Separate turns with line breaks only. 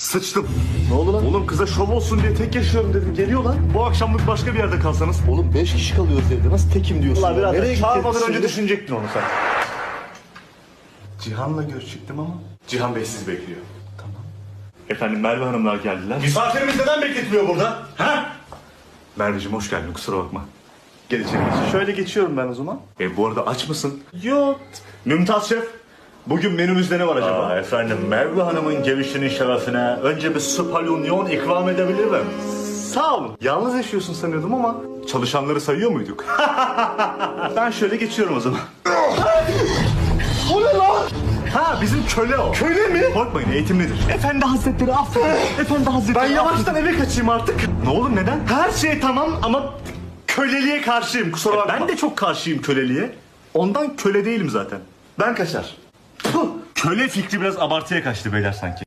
Sıçtım.
Ne oldu lan?
Oğlum kıza şov olsun diye tek yaşıyorum dedim. Geliyor lan. Bu akşamlık başka bir yerde kalsanız.
Oğlum 5 kişi kalıyoruz evde. Nasıl tekim diyorsun?
Allah
ya?
birader
Nereye
çağırmadan
gideceğiz
önce
şimdi?
düşünecektin onu sen. Cihan'la görüşecektim ama. Cihan Bey sizi bekliyor. Tamam. Efendim Merve Hanımlar geldiler. Misafirimiz neden bekletmiyor burada? Ha? Merveciğim hoş geldin, kusura bakma. Gel içeri geç. Şöyle geçiyorum ben o zaman. Bu arada aç mısın? Yok. Mümtaz Şef, bugün menümüzde ne var acaba? Efendim Merve Hanım'ın gelişinin şerefine önce bir spalunyon ikram edebilirim. Sağ olun. Yalnız yaşıyorsun sanıyordum ama çalışanları sayıyor muyduk? Ben şöyle geçiyorum o zaman. O ne lan? Ha bizim köle o. Köle mi? Korkmayın eğitimlidir. Efendi Hazretleri affedin. Efendi Hazretleri ben yavaştan eve kaçayım artık. Ne olur neden? Her şey tamam ama köleliğe karşıyım kusura bakma. Ben de çok karşıyım köleliğe. Ondan köle değilim zaten. Ben kaçar. Puh, köle fikri biraz abartıya kaçtı beyler sanki.